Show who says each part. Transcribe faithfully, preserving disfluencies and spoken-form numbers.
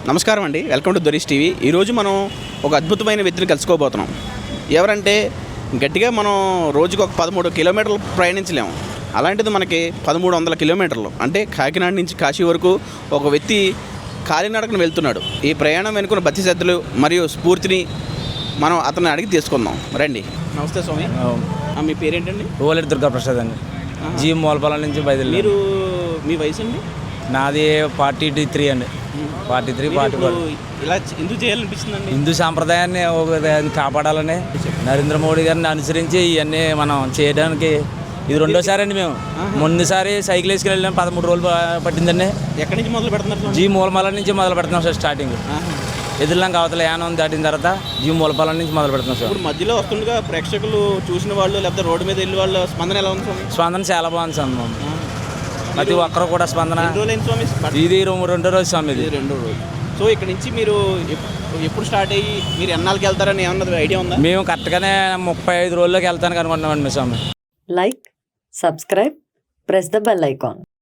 Speaker 1: నమస్కారం అండి, welcome to దొరీష్ TV. ఈరోజు మనం ఒక అద్భుతమైన వ్యక్తిని కలుసుకోబోతున్నాం. ఎవరంటే గట్టిగా మనం రోజుకు ఒక పదమూడు కిలోమీటర్లు ప్రయాణించలేము. అలాంటిది మనకి పదమూడు వందల కిలోమీటర్లు అంటే కాకినాడ నుంచి కాశీ వరకు ఒక వ్యక్తి కాలినడకన వెళ్తున్నాడు. ఈ ప్రయాణం వెనుకున్న భక్తి శ్రద్ధలు మరియు స్ఫూర్తిని మనం అతన్ని అడిగి తీసుకుందాం. రండి. నమస్తే స్వామి. మీ పేరేంటండి?
Speaker 2: ఓలేటి దుర్గాప్రసాద్ అండి. జీ మూలపాలెం నుంచి బయలుదేరి.
Speaker 1: మీరు మీ వయసు అండి?
Speaker 2: నాది ఫార్టీ త్రీ అండి. Forty three forty four.
Speaker 1: ఇలా ఎందుకు చేయాలనిపిస్తుందండి?
Speaker 2: హిందూ సాంప్రదాయాన్ని ఒక కాపాడాలని నరేంద్ర మోడీ గారిని అనుసరించి ఇవన్నీ మనం చేయడానికి ఇది రెండోసారి అండి. మేము ముందుసారి సైకిల్ వేసుకుని వెళ్ళాం, పదమూడు రోజులు పట్టిందండి.
Speaker 1: ఎక్కడి నుంచి మొదలు పెడుతున్నారు?
Speaker 2: జీ మూలపాలెం నుంచి మొదలు పెడుతున్నాం సార్. స్టార్టింగ్ ఎదురులాంక అవతల యానం దాటిన తర్వాత జీ మూలపాలెం నుంచి మొదలు పెడుతున్నాం సార్.
Speaker 1: ఇప్పుడు మధ్యలో వస్తుండగా ప్రేక్షకులు చూసిన వాళ్ళు లేకపోతే రోడ్డు మీద వెళ్ళి వాళ్ళ స్పందన ఎలా ఉంది స్వామి?
Speaker 2: స్పందన చాలా బాగుంది సార్. ప్రతి ఒక్కరు కూడా స్పందన. ఇది రెండో రోజు స్వామి. ఇది
Speaker 1: రెండో రోజు. సో ఇక్కడ నుంచి మీరు ఎప్పుడు స్టార్ట్ అయ్యి మీరు ఎన్నాళ్ళకి వెళ్తారని ఏమన్నా ఐడియా ఉందా?
Speaker 2: మేము కరెక్ట్గానే ముప్పై ఐదు రోజుల్లోకి వెళ్తానికి అనుకుంటున్నామండి మీ స్వామి.
Speaker 3: Like, subscribe, press the bell icon.